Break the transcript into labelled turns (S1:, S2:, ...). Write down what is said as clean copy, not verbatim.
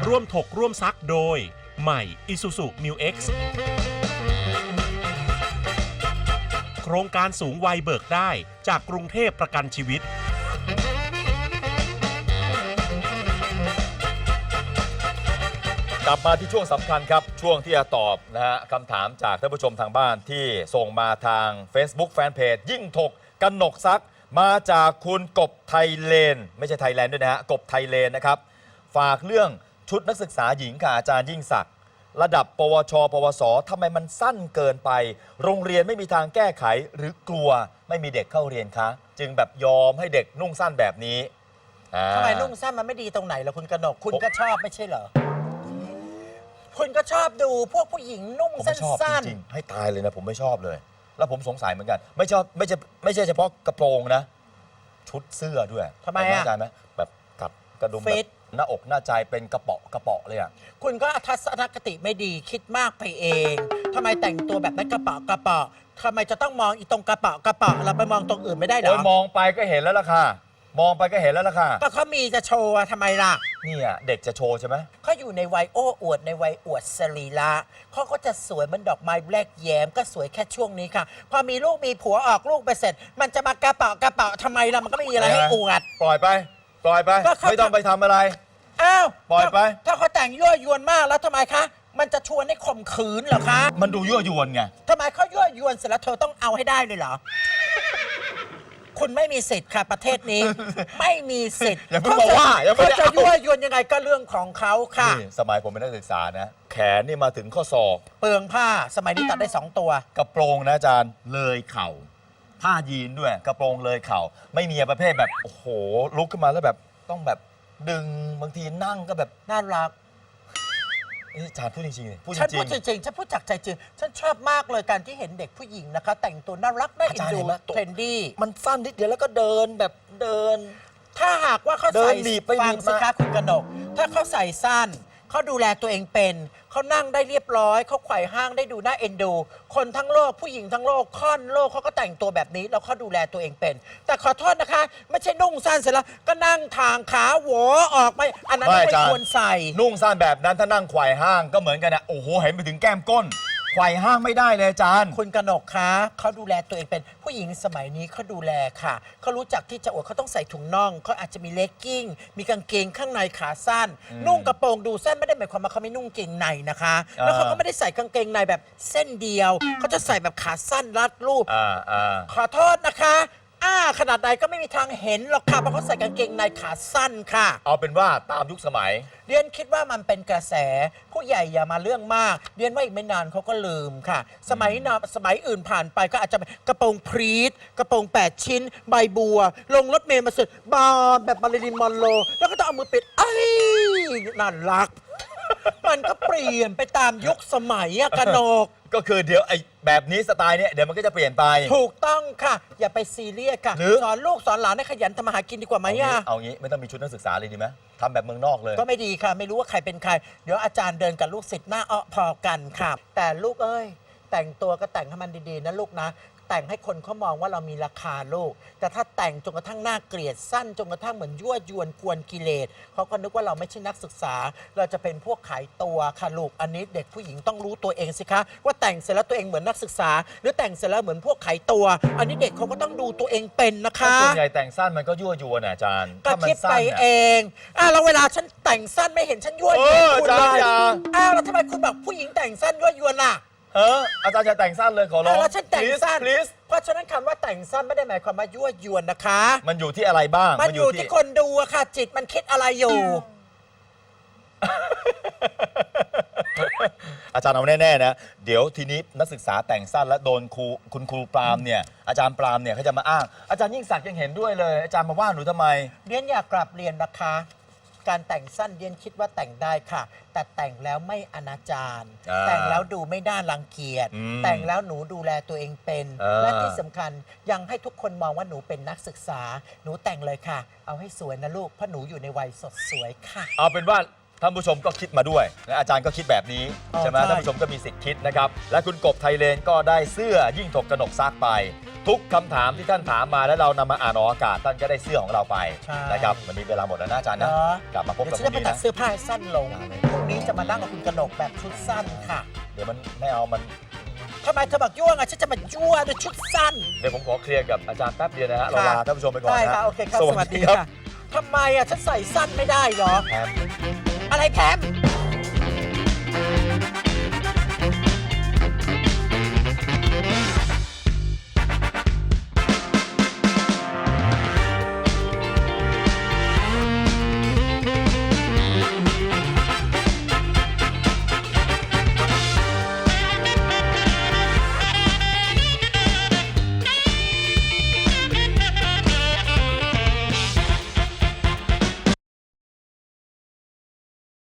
S1: ร่วมถกร่วมซักโดยใหม่ Isuzu Mu X โครงการสูงวัยเบิกได้จากกรุงเทพประกันชีวิต
S2: กลับมาที่ช่วงสำคัญครับช่วงที่จะตอบนะฮะคำถามจากท่านผู้ชมทางบ้านที่ส่งมาทาง Facebook Fanpage ยิ่งถกกนกซักมาจากคุณกบไทยเลนไม่ใช่ไทยแลนด์ด้วยนะฮะกบไทยเลนนะครับฝากเรื่องชุดนักศึกษาหญิงค่ะอาจารย์ยิ่งศักดิ์ระดับปวช ปวสทำไมมันสั้นเกินไปโรงเรียนไม่มีทางแก้ไขหรือกลัวไม่มีเด็กเข้าเรียนคะจึงแบบยอมให้เด็กนุ่งสั้นแบบนี้
S3: ทำไมนุ่งสั้นมันไม่ดีตรงไหนล่ะคุณกนกคุณก็ชอบไม่ใช่เหรอคุณก็ชอบดูพวกผู้หญิงนุ่งสั้น
S2: ๆจริงๆให้ตายเลยนะผมไม่ชอบเลยแล้วผมสงสัยเหมือนกันไม่ชอบไม่ใช่เฉพาะกระโปรงนะชุดเสื้อด้วย
S3: ทำไมอ่ะ
S2: เข้าใจไหมแบบกับกระดุมแบบหน้าอกหน้าใจเป็นกระเปาะเลยอ่ะ
S3: คุณก็ทัศนคติไม่ดีคิดมากไปเองทำไมแต่งตัวแบบนั้นกระเปาะทำไมจะต้องมองอีตรงกระเปาะเราไปมองตรงอื่นไม่ได้เหรอ
S2: มองไปก็เห็นแล้วล่ะค่ะมองไปก็เห็นแล้วล่ะค่ะ
S3: ก็เขามีจะโชว์ทำไมล่ะ
S2: นี่อ่ะเด็กจะโชว์ใช่ไหม
S3: เขาอยู่ในวัยโอ้อวดในวัยอวดสรีระเขาก็จะสวยเหมือนดอกไม้แรกแย้มก็สวยแค่ช่วงนี้ค่ะพอมีลูกมีผัวออกลูกไปเสร็จมันจะมากระเปาะทำไมล่ะมันก็ไม่มีอะไรให้อวด
S2: ปล่อยไปไม่ต้องไปทำอะไร
S3: อ้าว
S2: ปล่อยไป
S3: ถ้าเขาแต่งยั่วยวนมากแล้วทำไมคะมันจะชวนให้ข่มขืนเหรอคะ
S2: มันดูยั่วยวนไง
S3: ทำไมเขายั่วยวนเสร็จแล้วเธอต้องเอาให้ได้เลยเหรอคุณไม่มีสิทธิ์ค่ะประเทศนี้ไม่มีสิทธิ์
S2: อย่าเพิ่งบอกว่า
S3: เขาจะยั่วยวนยังไงก็เรื่องของเขาค่ะ
S2: สมัยผมเป็นนักศึกษานะแขนนี่มาถึงข้อศอก
S3: เปลืองผ้าสมัยนี้ตัดได้2ตัว
S2: กระโปรงนะอาจารย์เลยเข่าผ้ายีนด้วยกระโปรงเลยเข่าไม่มีประเภทแบบโอ้โหลุกขึ้นมาแล้วแบบต้องแบบดึงบางทีนั่งก็แบบ
S3: น่ารัก
S2: อาจารย์พูดจริงๆ
S3: ฉันพูดจริงฉันพูดจากใจจริงฉันชอบมากเลยการที่เห็นเด็กผู้หญิงนะคะแต่งตัวน่ารักน่าเอ็นดูเทรนดี้
S2: มันสั้นนิดเดียวแล้วก็เดินแบบเดิน
S3: ถ้าหากว่าเขาใส่ฟังสิคะคุณกนกถ้าเขาใส่สั้นเขาดูแลตัวเองเป็นเขานั่งได้เรียบร้อยเขาไขว่ห้างได้ดูน่าเอ็นดูคนทั้งโลกผู้หญิงทั้งโลกค่อนโลกเขาก็แต่งตัวแบบนี้แล้วเขาดูแลตัวเองเป็นแต่ขอโทษนะคะไม่ใช่นุ่งสั้นเสร็จแล้วก็นั่งทางขาหัวออกไม่อันนั้นไม่ควรใส่
S2: นุ่งสั้นแบบนั้นถ้านั่งไขว่ห้างก็เหมือนกันนะโอ้โหเห็นไปถึงแก้มก้นไขว่ห้างไม่ได้เลยอาจารย์
S3: คุณกนกคะเขาดูแลตัวเองเป็นผู้หญิงสมัยนี้เขาดูแลค่ะเขารู้จักที่จะอวดเขาต้องใส่ถุงน่องเขาอาจจะมีเลกกิ้งมีกางเกงข้างในขาสั้นนุ่งกระโปรงดูสั้นไม่ได้หมายความว่าเขาไม่นุ่งเกงในนะคะแล้วเขาก็ไม่ได้ใส่กางเกงในแบบเส้นเดียวเขาจะใส่แบบขาสั้นรัดรูปขอโทษนะคะขนาดใดก็ไม่มีทางเห็นหรอกค่ะเพราะเขาใส่กางเกงในขาสั้นค่ะ
S2: เอาเป็นว่าตามยุคสมัย
S3: เรียนคิดว่ามันเป็นกระแสผู้ใหญ่อย่ามาเรื่องมากเรียนว่าอีกไม่นานเขาก็ลืมค่ะสมัยอื่นผ่านไปก็อาจจะกระโปรงพรีทกระโปรง8 ชิ้นใบบัวลงรถเมล์มาสุดบานแบบมาริลินมอนโรแล้วก็ต้องเอามือปิดน่ารักมันก็เปลี่ยนไปตามยุคสมัยกนก
S2: ก็คือเดี๋ยวไอ้แบบนี้สไตล์เนี้ยเดี๋ยวมันก็จะเปลี่ยนไป
S3: ถูกต้องค่ะอย่าไปซีเรียสค่ะสอนลูกสอนหลานให้ขยันทำมาหากินดีกว่าไหม
S2: เอางี้ไม่ต้องมีชุดนักศึกษาเลยดีไหมทำแบบเมืองนอกเลย
S3: ก็ไม่ดีค่ะไม่รู้ว่าใครเป็นใครเดี๋ยวอาจารย์เดินกับลูกศิษย์หน้าพอกันค่ะแต่ลูกเอ้ยแต่งตัวก็แต่งให้มันดีๆนะลูกนะแต่งให้คนเขามองว่าเรามีราคาลูกแต่ถ้าแต่งจนกระทั่งน่าเกลียดสั้นจนกระทั่งเหมือนยั่วยวนกวนกิเลสเขาก็นึกว่าเราไม่ใช่นักศึกษาเราจะเป็นพวกขายตัวค่ะลูกอันนี้เด็กผู้หญิงต้องรู้ตัวเองสิคะว่าแต่งเสร็จแล้วตัวเองเหมือนนักศึกษาหรือแต่งเสร็จแล้วเหมือนพวกขายตัวอันนี้เด็กเขาก็ต้องดูตัวเองเป็นนะคะ
S2: ส่วนใหญ่แต่งสั้นมันก็ยั่วยวนอาจารย์
S3: ก็คิดไปเองแล้วเวลาฉันแต่งสั้นไม่เห็นฉันยั่วยวนคุณเลยแล้วทำไมคุณบอกผู้หญิงแต่งสั้นยั่วยวนล่ะ
S2: อาจารย์จะแต่งสั้นเลยขอร้อง
S3: แล้วฉันแต่งสั้นเพราะฉะนั้นคำว่าแต่งสั้นไม่ได้หมายความว่ายั่วยวนนะคะ
S2: มันอยู่ที่อะไรบ้าง
S3: มันอยู่ที่คนดูอะค่ะจิตมันคิดอะไรอยู่
S2: อาจารย์เอาแน่ๆนะเดี๋ยวทีนี้นักศึกษาแต่งสั้นแล้วโดนคุณครูปรามเนี่ยอาจารย์ปรามเนี่ยเขาจะมาอ้างอาจารย์ยิ่งศักดิ์ยังเห็นด้วยเลยอาจารย์มาว่าหนูทำไม
S3: เรียนอยากกลับเรียนนะคะการแต่งสั้นเรียนคิดว่าแต่งได้ค่ะแต่แต่งแล้วไม่อนาจารแต่งแล้วดูไม่น่ารังเกียจแต่งแล้วหนูดูแลตัวเองเป็นและที่สำคัญยังให้ทุกคนมองว่าหนูเป็นนักศึกษาหนูแต่งเลยค่ะเอาให้สวยนะลูกเพราะหนูอยู่ในวัยสดสวยค่ะ
S2: เอาเป็นว่าท่านผู้ชมก็คิดมาด้วยและอาจารย์ก็คิดแบบนี้ใช่ไหมท่านผู้ชมก็มีสิทธิ์คิดนะครับและคุณกบไทยเลนก็ได้เสื้อยิ่งถกกนกซักไปทุกคำถามที่ท่านถามมาแล้วเรานำมาอ่านออกอากาศท่านก็ได้เสื้อของเราไป
S3: ใช่
S2: นะครับวันนี้เวลาหมดแล้วนะอาจารย์นะ
S3: เนาะ
S2: กลับมาพบ
S3: เดี๋ย
S2: กั
S3: วน ฉัน
S2: พรุ่
S3: จะ
S2: ง
S3: ไป
S2: นี้
S3: ตัด
S2: นะ
S3: เสื้อผ้าให้สั้นลงพรุ่งนี้จะมานั่งกับคุณกนกแบบชุดสั้นค่ะ
S2: เดี๋ยวมันไม่เอามัน
S3: ทำไมเธอบอกยั่วไงฉันจะมายั่วด้วยชุดสั้น
S2: เดี๋ยวผมขอเคลียร์กับอาจารย์แป๊บเดียวนะฮะเราลาท่านผู้ชมไปก่อน
S3: ได้
S2: นะ
S3: ค่ะ โอเคครับ สวัสดี
S2: ครับ
S3: ค่ะทำไมอ่ะฉันใส่สั้นไม่ได้เหรอ
S2: แอม
S3: อะไรแคม